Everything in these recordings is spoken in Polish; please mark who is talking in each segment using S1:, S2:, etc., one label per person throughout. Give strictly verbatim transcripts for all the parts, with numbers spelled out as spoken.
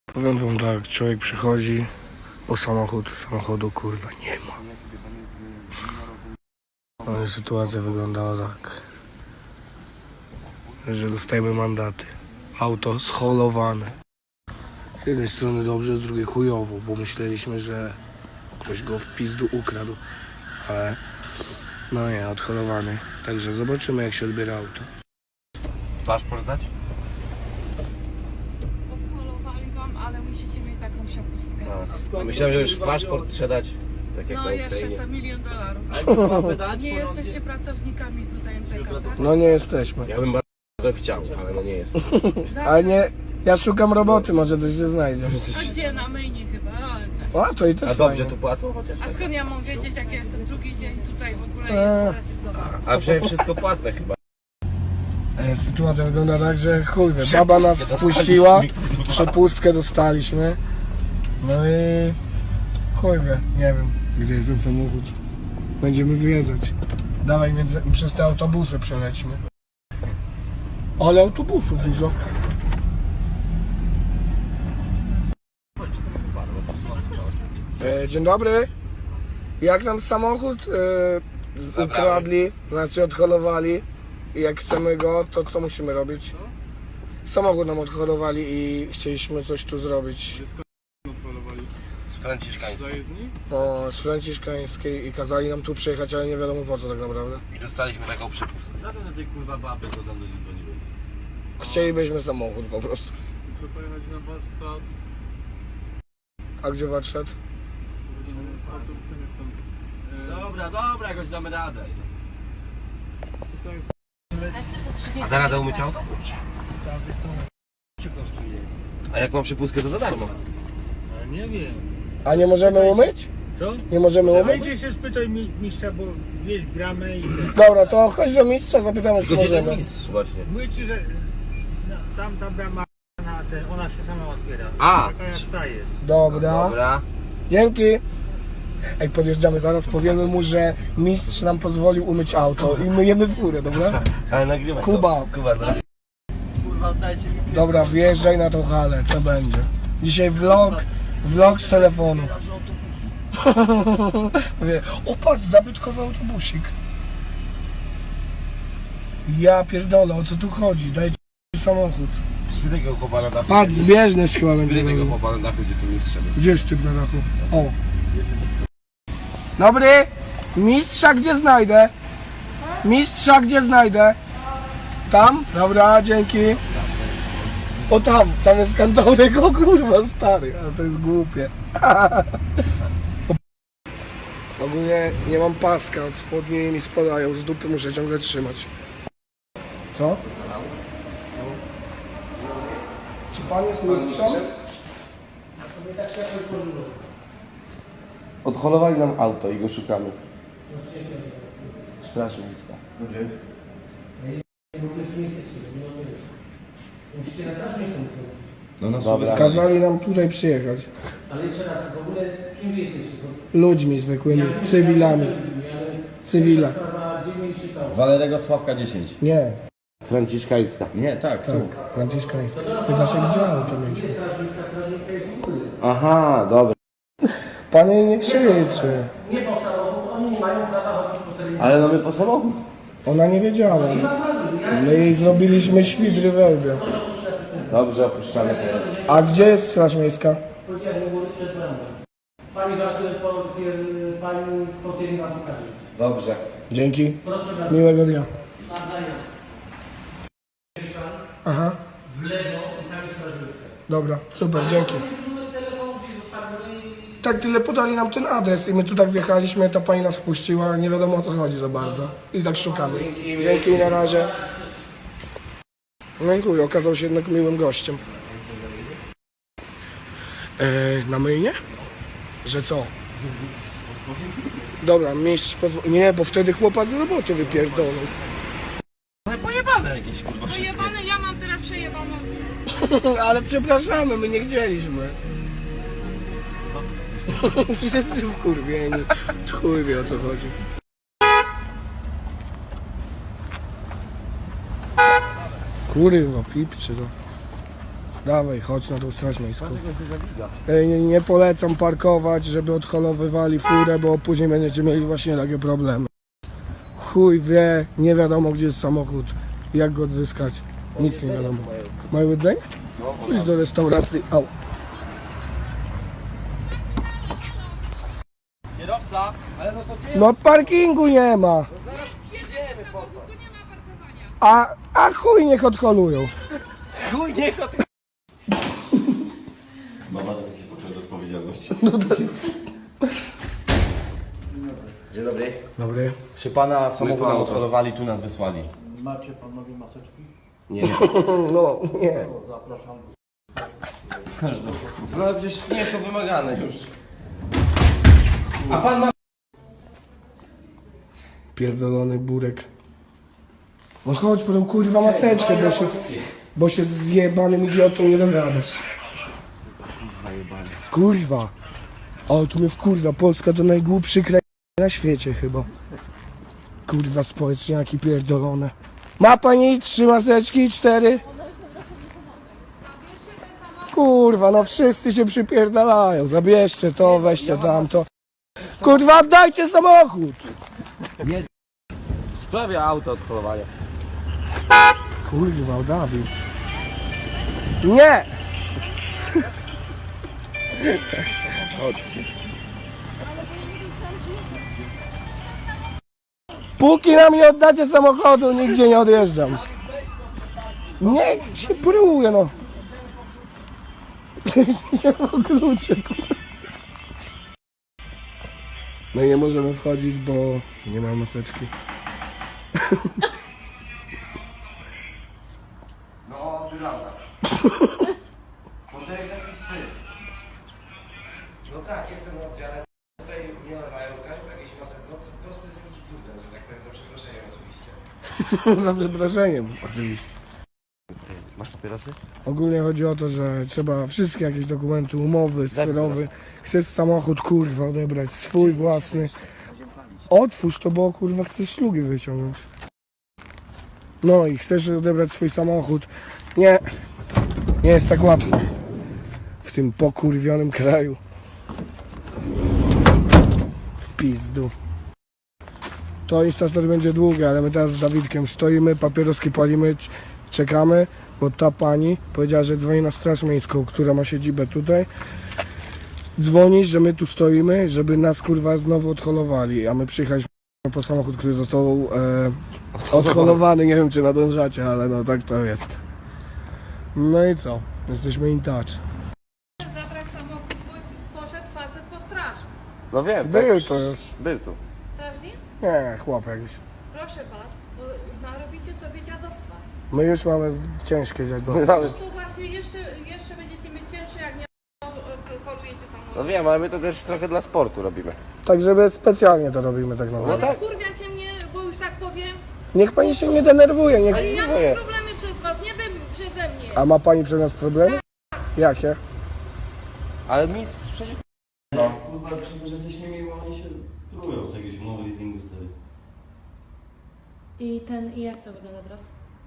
S1: Powiem wam tak, człowiek przychodzi o samochód, samochodu kurwa nie ma. No i sytuacja wyglądała tak, że dostajemy mandaty. Auto scholowane. Z jednej strony dobrze, z drugiej chujowo, bo myśleliśmy, że ktoś go w pizdu ukradł, ale no nie, odholowany. Także zobaczymy, jak się odbiera auto.
S2: Paszport dać?
S3: Odholowali wam, ale musicie mieć taką przepustkę.
S2: No. Myślałem, że już paszport trzeba dać. Tak jak
S3: No
S2: na
S3: jeszcze
S2: Ukrainie.
S3: co milion dolarów. Nie jesteście pracownikami tutaj M P K, tak?
S1: No nie jesteśmy.
S2: Ja bym bardzo chciał, ale no nie jest.
S1: Ale nie, ja szukam roboty, może coś się znajdzie.
S3: A gdzie? Na myjnie chyba. Ale tak.
S1: O, to i też
S2: A dobrze
S1: fajnie.
S2: tu płacą chociaż?
S3: A
S2: Tak?
S3: skąd ja mam wiedzieć, jak ja jestem drugi dzień tutaj w ogóle
S1: Eee.
S3: jest zrezygnowałam?
S2: A przecież wszystko płatne chyba.
S1: E, Sytuacja wygląda tak, że chuj wie,
S2: Przepustkę
S1: baba nas
S2: dostaliśmy,
S1: wpuściła,
S2: kurwa.
S1: przepustkę dostaliśmy. No i chuj wie, nie wiem, gdzie jest ten samochód. Będziemy zwiedzać. Dawaj, między, przez te autobusy przelećmy. Ale autobusów dużo. E, dzień dobry. Jak nam samochód e, z- ukradli, znaczy odholowali i jak chcemy go, to co musimy robić? Samochód nam odholowali i chcieliśmy coś tu zrobić.
S2: Z franciszkańskiej.
S1: No, z Franciszkańskiej i kazali nam tu przyjechać, ale nie wiadomo po co tak naprawdę.
S2: I dostaliśmy taką przepustkę.
S4: Za to na tej kurwa baby, co tam do nich dzwoniłeś.
S1: Chcielibyśmy samochód po prostu.
S4: Muszę pojechać na warsztat.
S1: A gdzie warsztat?
S4: Autobusy nie chcą. Dobra, dobra, jakoś damy radę.
S2: A za radę umyć auto? A jak mam przepustkę, to za darmo.
S5: No nie wiem.
S1: A nie możemy umyć?
S5: Co?
S1: Nie możemy umyć?
S5: Wejdź się spytaj mi- mistrza, bo wiesz, gramy i ten.
S1: Dobra, to chodź do mistrza, zapytamy, czy
S2: Tylko gdzie ten
S1: możemy.
S2: mistrz właśnie?
S5: Mówię ci, że no, tam ta brama na ten, ona się sama otwiera.
S2: A.
S5: Taka jak ta jest.
S1: Dobra.
S2: Dobra.
S1: Dzięki. Ej, podjeżdżamy zaraz, powiemy mu, że mistrz nam pozwolił umyć auto i myjemy furę, dobra?
S2: Ale nagrywaj
S1: Kuba.
S2: to. Kuba, zrobi.
S4: Kurwa, dajcie mi
S1: Dobra, wjeżdżaj na tą halę, co będzie? Dzisiaj vlog, vlog z telefonu. Mówię, o patrz, zabytkowy autobusik. Ja pierdolę, o co tu chodzi? Dajcie samochód.
S2: Spytaj go chłopa na dachu.
S1: Patrz, zbieżność chyba będzie.
S2: Spytaj tego
S1: robił.
S2: chłopa na dachu, gdzie tu mistrz szedł.
S1: Gdzie jest typ na dachu? O. Dobry. Mistrza gdzie znajdę? Mistrza gdzie znajdę? Tam? Dobra, dzięki. O tam, tam jest kantorek, o kurwa stary, ale to jest głupie. Ogólnie nie mam paska, od spodni mi spadają, z dupy muszę ciągle trzymać. Co? Czy pan jest mistrzem?
S2: Odholowali nam auto i go szukamy. Straż miejska. No, no dobra.
S1: Kazali nam tutaj przyjechać.
S6: Ale jeszcze raz, w ogóle kim wy jesteście?
S1: Ludźmi zwykłymi, cywilami. Cywila.
S6: Sprawa dziewięć czytał.
S4: Walerego Sławka dziesięć.
S1: Nie,
S2: Franciszkańska.
S4: Nie, tak, tu.
S1: tak, franciszkańska. Pyta się, gdzie auto mieliśmy.
S2: Aha, dobra.
S1: Panie nie krzyczy.
S6: Nie po samochód, oni nie mają prawa chodzić po terenie.
S2: Ale no my po samochód.
S1: Ona nie wiedziała. My jej zrobiliśmy świdry we łbie.
S2: Dobrze, opuszczamy teren.
S1: A gdzie jest straż miejska?
S6: Policja nie mówi przed bramą. Pani gratuluję, pani z Kotyni wam pokaże.
S2: Dobrze.
S1: Dzięki.
S6: Proszę bardzo.
S1: Miłego dnia.
S6: Nawzajem.
S1: Aha,
S6: W lewo i tam jest straż miejska.
S1: dobra, super, dzięki.
S6: Numer telefonu, czyli zostawimy i...
S1: Tak tyle podali nam ten adres i my tu tak wjechaliśmy, ta pani nas wpuściła, nie wiadomo o co chodzi za bardzo. I tak szukamy. Dzięki, na razie. Dziękuję, okazał się jednak miłym gościem. Eee, na myjnie? Że co? Dobra, mistrz pozwoli. Nie, bo wtedy chłopak z roboty wypierdolą.
S2: No i pojebane jakieś kurwa wszystkie.
S3: Przejebane, ja mam teraz przejebaną.
S1: Ale przepraszamy, my nie chcieliśmy. Wszyscy wkurwieni. Chuj wie o co chodzi. Kurwa, pipczy to. Dawaj, chodź na tą straż miejską. Ej, nie, nie polecam parkować, żeby odholowywali furę, bo później będziecie mieli właśnie takie problemy. Chuj wie, nie wiadomo gdzie jest samochód, jak go odzyskać. Nic nie wiadomo. Mają jedzenie? Chodź do restauracji. Au.
S4: Kierowca!
S1: No parkingu nie ma. A, a chuj niech odholują.
S2: Chuj, niech od...
S4: Mama nas jakiś poczuł odpowiedzialności.
S2: Dzień dobry.
S1: Dobry.
S2: Przy pana samochód nam odholowali, tu nas wysłali.
S5: Macie panowie maseczki?
S2: Nie, nie.
S1: No nie.
S5: Zapraszam.
S2: No ale przecież nie są wymagane już. A pan ma...
S1: Pierdolony burek. No chodź po tą kurwa maseczkę, bo się, bo się z zjebanym idiotą nie dogadasz. Kurwa. O, tu mnie wkurwa. Polska to najgłupszy kraj na świecie chyba. Kurwa, społeczniaki pierdolone. Ma pani trzy maseczki, cztery? Kurwa, no wszyscy się przypierdalają. Zabierzcie to, weźcie tamto. Kurwa, oddajcie samochód!
S2: Sprawia auto odholowania.
S1: Kurwa, Dawid. Nie! Póki nam nie oddacie samochodu, nigdzie nie odjeżdżam. Nie, się próbuję, no. Nie mam kluczy, kurwa. No i nie możemy wchodzić, bo nie ma maseczki.
S2: No, wygląda. Bo to jest jakiś styl. No tak, jestem na oddziale. Tutaj nie mają każdy jakiś masek. No po prostu jest jakiś cudem, że tak powiem, za przeproszeniem oczywiście.
S1: Za przeproszeniem, oczywiście.
S2: Masz papierosy?
S1: Ogólnie chodzi o to, że trzeba wszystkie jakieś dokumenty, umowy, sterowy. Chcesz samochód, kurwa, odebrać, swój własny. Otwórz to, bo kurwa chcesz ślugi wyciągnąć. No i chcesz odebrać swój samochód. Nie, nie jest tak łatwo. W tym pokurwionym kraju. W pizdu. To instastory będzie długie, ale my teraz z Dawidkiem stoimy, papieroski palimy, c- czekamy, bo ta pani powiedziała, że dzwoni na straż miejską, która ma siedzibę tutaj. Dzwoni, że my tu stoimy, żeby nas kurwa znowu odholowali, a my przyjechaliśmy po samochód, który został e, odholowany. Nie wiem czy nadążacie, ale no tak to jest. No i co? Jesteśmy in touch.
S3: Zabrać samochód, bo poszedł facet po straż.
S2: No wiem.
S1: Był to już.
S2: Był tu.
S3: Strażnik?
S1: Nie, chłop jakiś.
S3: Proszę was, bo narobicie sobie dziadostwa.
S1: My już mamy ciężkie dziadostwo.
S3: No to właśnie jeszcze, jeszcze będziecie mieć cięższe, jak nie holujecie samochód.
S2: No wiem, ale my to też trochę dla sportu robimy.
S1: Tak, żeby specjalnie to robimy tak naprawdę.
S2: tak.
S3: Kurwiacie mnie, bo już tak powiem,
S1: Niech pani się nie denerwuje, niech...
S3: ale ja mam
S2: Dziękuję.
S3: problemy przez was, nie wy przeze mnie.
S1: A ma pani przez nas problemy? Jakie?
S2: Ale mistrz przecież...
S4: Kurwa, przez to, że jesteś niemiły, oni się próbują z jakiegoś umowy leasingu stary.
S3: I ten, i jak to wygląda teraz?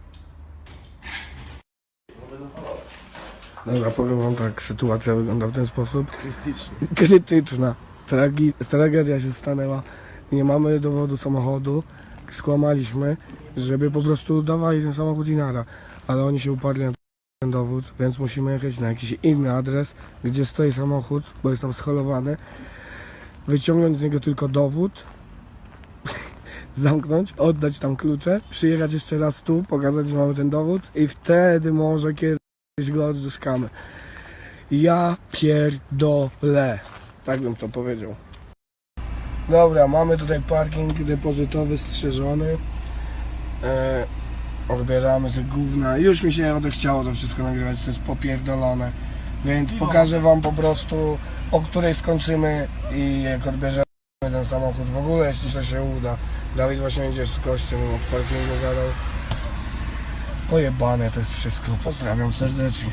S1: Dobra, powiem wam tak, sytuacja wygląda w ten sposób. Krytyczna. Krytyczna. Tragi- tragedia się stanęła. Nie mamy dowodu samochodu. Skłamaliśmy, żeby po prostu dawali ten samochód i nara. Ale oni się uparli na ten dowód, więc musimy jechać na jakiś inny adres, gdzie stoi samochód, bo jest tam scholowany. Wyciągnąć z niego tylko dowód. Zamknąć, oddać tam klucze, przyjechać jeszcze raz tu, pokazać, że mamy ten dowód i wtedy może kiedyś go odzyskamy. Ja pierdolę. Tak bym to powiedział. Dobra, mamy tutaj parking depozytowy strzeżony. E, odbieramy te gówna. Już mi się odechciało to wszystko nagrywać, to jest popierdolone. Więc pokażę wam po prostu, o której skończymy i jak odbierzemy ten samochód w ogóle, jeśli to się uda. Dawid właśnie idzie z gościem, w parkingu gadał. Pojebane to jest wszystko. Pozdrawiam serdecznie.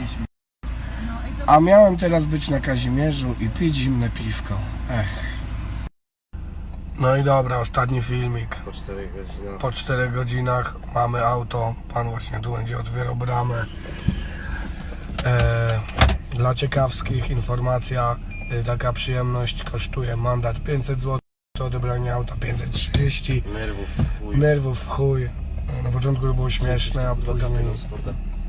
S1: A miałem teraz być na Kazimierzu i pić zimne piwko. Ech. No i dobra, ostatni filmik.
S2: Po czterech godzinach.
S1: Po czterech godzinach mamy auto. Pan właśnie tu będzie otwierał bramę. E, dla ciekawskich informacja, e, taka przyjemność kosztuje mandat pięćset złotych, to odebranie auta pięćset trzydzieści,
S2: Nerwów, chuj.
S1: nerwów w chuj. Na początku było śmieszne, a
S2: Dwa
S1: później
S2: kamienie z Forda.